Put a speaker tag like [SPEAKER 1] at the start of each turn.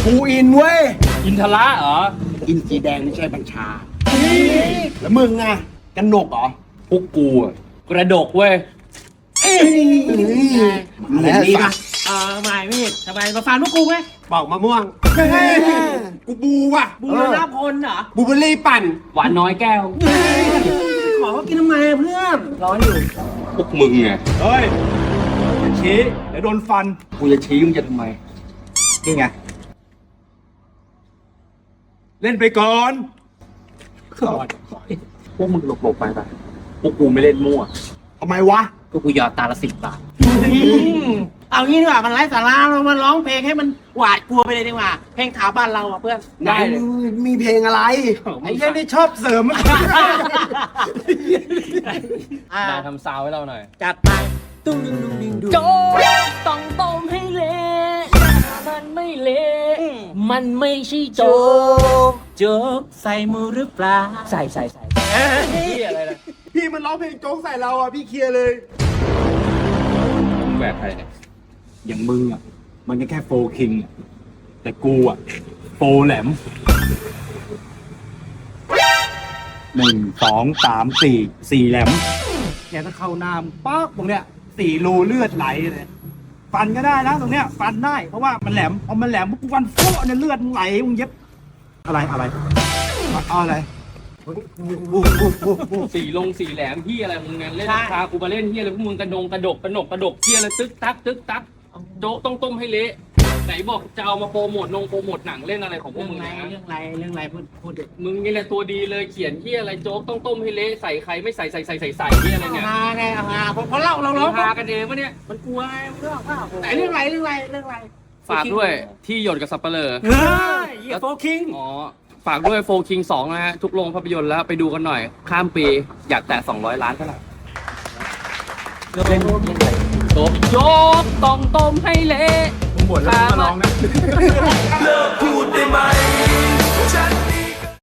[SPEAKER 1] ภูอินเว้ย
[SPEAKER 2] อินทระเหรอ
[SPEAKER 1] อินสีแดงไม่ใช่บัญชา แล้วมึงอะกันหนกเหรอ
[SPEAKER 2] พวกกูอะกระดกเว้ย
[SPEAKER 1] มาแล้วนี่ปะ
[SPEAKER 3] ไม่พี่ทำไมมาฟันพวกกูไหม
[SPEAKER 1] บอกมะม่วง กูบูว่ะ
[SPEAKER 3] บูรณพลเหรอ
[SPEAKER 1] บูเบอรี่ปั่น
[SPEAKER 2] หวานน้อยแก้ว
[SPEAKER 3] ขอเขากินทำไมอะเพื่อนร้อนอยู่
[SPEAKER 2] พวกมึงไง
[SPEAKER 4] เฮ้ยอย่าชี้เดี๋ยวโดนฟัน
[SPEAKER 2] กูจะชี้มึงจะทำไม
[SPEAKER 4] นี่ไง เล่นไปก่อน
[SPEAKER 2] พวกมึงหลบๆไปพวกกูไม่เล่นมั่ว
[SPEAKER 1] ทำไมวะ
[SPEAKER 2] ก็กูหยอดตาละ10 บาท
[SPEAKER 3] เอางี้ดีกว่ามันไร้สาระเรามาร้องเพลงให้มันหวาดกลัวไปเลยดีกว่าเพลงถาบ้านเราอ่ะเพื่อน
[SPEAKER 2] ได้เลย
[SPEAKER 1] มีเพลงอะไร
[SPEAKER 4] ไอ้เหี้ยนี่ชอบเสริม
[SPEAKER 2] ได้ทำซาวให้เราหน่อย
[SPEAKER 3] จัดไปตุ้งดิ้งดุงดิ้งดุง
[SPEAKER 5] โจ๊กต้องต้มให้เละมันไม่เละมันไม่ใช่โจ๊ก
[SPEAKER 3] โจ๊กใส่มือหรือเปล่า
[SPEAKER 5] ใส่
[SPEAKER 2] พี่อะไรนะ
[SPEAKER 1] พี่มันร้องเพลงโจ๊กใส่เราอ่ะ พี่เคลียร์เลย
[SPEAKER 2] มึงแหวกใครเนี่ย
[SPEAKER 4] อย่างมึงอ่ะ มันก็แค่โฟคิงอะแต่กูอ่ะ โฟแหลม 1 2 3 4 4 แหลมแกถ้าเข้าหน้ามงป๊อกตรงเนี้ย4 รูเลือดไหลเลย ฟันก็ได้นะตรงเนี้ย ฟันได้เพราะว่ามันแหลมพอมันแหลมปุ๊บกูฟันโฟะเนี่ยเลือดมึงไหลมึงเย็บ อะไรเอาอะไร
[SPEAKER 2] สี่แหลมพี่อะไรมึงเนี่ยเล่นพากูมาเล่นเฮียอะไรพวกมึงกระดกเฮียอะไรตึกตักโจ๊กต้องต้มให้เละไหนบอกจะเอามาโปรโมทหนังเล่นอะไรของพว
[SPEAKER 3] เรื่
[SPEAKER 2] ก
[SPEAKER 3] อง
[SPEAKER 2] มึง
[SPEAKER 3] ไร
[SPEAKER 2] นะ
[SPEAKER 3] เรื่องไรพูดดิ
[SPEAKER 2] มึงนี่แหละตัวดีเลยเขียนเฮียอะไรโจ๊กต้องต้มให้เละใส่ใครไม่ใส่เฮียอะไรเนี่ย
[SPEAKER 3] ฮาไงฮาเพราะเราร้อง
[SPEAKER 2] พากันเองวะเนี่ย
[SPEAKER 3] มันกลัวไงเรื่องว่าแต่เรื่องไร
[SPEAKER 2] ฝากด้วยที่หยดกับสับเปลือ
[SPEAKER 3] เฮ้ยโฟคิง
[SPEAKER 2] อ๋อฝากด้วยโฟคิง2นะฮะทุกโรงภาพยนตร์แล้วไปดูกันหน่อย ข้ามปีอยากแตะ200 ล้านเท่าไหร่โจ๊กต้องต้มให้เละ
[SPEAKER 4] มึงบ่นแล้วมึงมาร้องนะ
[SPEAKER 6] เลิกพูดได้ไหม